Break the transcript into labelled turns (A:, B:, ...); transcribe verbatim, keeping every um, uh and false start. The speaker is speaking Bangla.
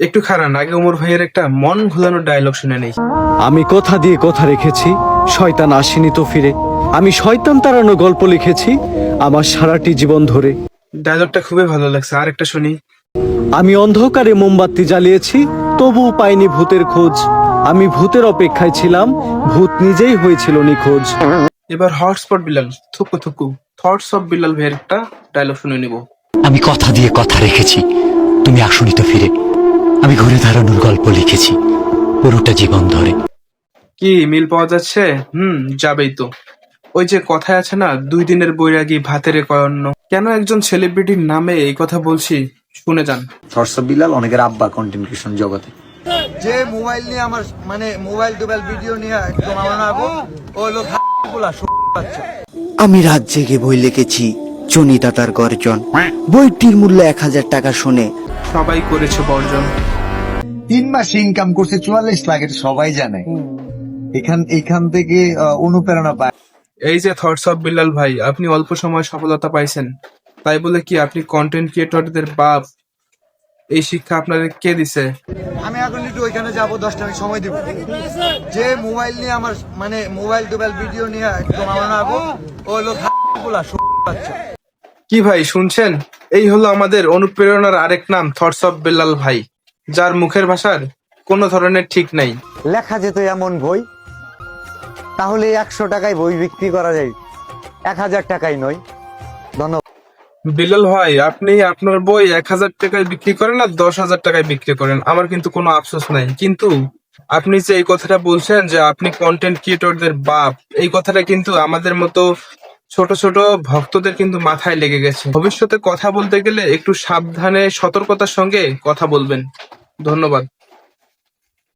A: একটু খারান, আগে ওমর ভাইয়ের একটা মন ভোলানো ডায়লগ শুনে নেই।
B: আমি কথা দিয়ে কথা রেখেছি, শয়তান আসেনি তো ফিরে। আমি শয়তান তাড়ানো গল্প লিখেছি আমার সারাটি জীবন ধরে।
A: ডায়লগটা খুবই ভালো লাগছে, আর একটা শুনি।
B: আমি অন্ধকারে মোমবাতি জ্বালিয়েছি, তবুও পাইনি ভূতের খোঁজ। আমি ভূতের অপেক্ষায় ছিলাম, ভূত নিজেই হয়েছিল নিখোঁজ।
A: এবার হটস্পট বিলাল, থুকু থুকু থটস অফ বিলাল ভাইয়ের একটা ডায়লগ শুনে নিব।
C: আমি কথা দিয়ে কথা রেখেছি, তুমি আসনি তো ফিরে। আমি ঘুরে দাঁড়ানোর গল্প লিখেছি পুরোটা জীবন ধরে।
A: কি মিল পাওয়া যাচ্ছে? হুম, যাবেই তো। ওই যে কথায় আছে না, দুই দিনের বৈরাগী ভাতের কয়ন্ন। কেন একজন সেলিব্রিটির নামে এই কথা বলছি, শুনে যান।
D: থটস অফ বিলাল অনেকের আব্বা কন্টেন্ট ক্রিয়েশন জগতে।
E: যে মোবাইল নিয়ে আমার মানে মোবাইল টোবাইল ভিডিও নিয়ে একদম আমার নাগো ও লোক গুলা বাচ্চা।
F: আমি রাত জেগে বই লিখেছি চনিতা তার গর্জন। বইটির মূল্য এক হাজার টাকা শুনে
A: সবাই করেছে বর্জন।
E: তিন মাসে ইনকাম করছে চুয়াল্লিশ লাখ, এটা সবাই জানে। এখান এখান থেকে আহ, অনুপ্রেরণা পায়।
A: এই যে থটস অফ বিল্লাল ভাই, আপনি অল্প সময় সফলতা পাইছেন, তাই বলে কি আপনি কন্টেন্ট ক্রিয়েটরদের বাপ? এই শিক্ষা আপনাদের কে দিছে?
E: আমি এখন একটু ওইখানে যাবো, দশটা আমি সময় দিব। যে মোবাইল নিয়ে আমার মানে মোবাইল টোবাইল ভিডিও নিয়ে একদম আমার নাগো ও লোক গুলা বাচ্চা।
A: কি ভাই শুনছেন? এই হলো আমাদের অনুপ্রেরণার আরেক নাম, থটস অফ বিল্লাল ভাই, যার মুখের ভাষার কোনো ধরনের ঠিক নাই।
G: লেখা যেত এমন বই, তাহলে একশো টাকায় বই বিক্রি করা যায়, এক হাজার টাকায় নয়। ধন্যবাদ।
A: বিল্লাল ভাই, আপনি আপনার বই এক হাজার টাকায় বিক্রি করেন আর দশ হাজার টাকায় বিক্রি করেন, আমার কিন্তু কোনো আফসোস নাই। কিন্তু আপনি যে এই কথাটা বলছেন যে আপনি কন্টেন্ট ক্রিয়েটরদের বাপ, এই কথাটা কিন্তু আমাদের মতো ছোট ছোট ভক্তদের কিন্তু মাথায় লেগে গেছে। ভবিষ্যতে কথা বলতে গেলে একটু সাবধানে সতর্কতার সঙ্গে কথা বলবেন। ধন্যবাদ।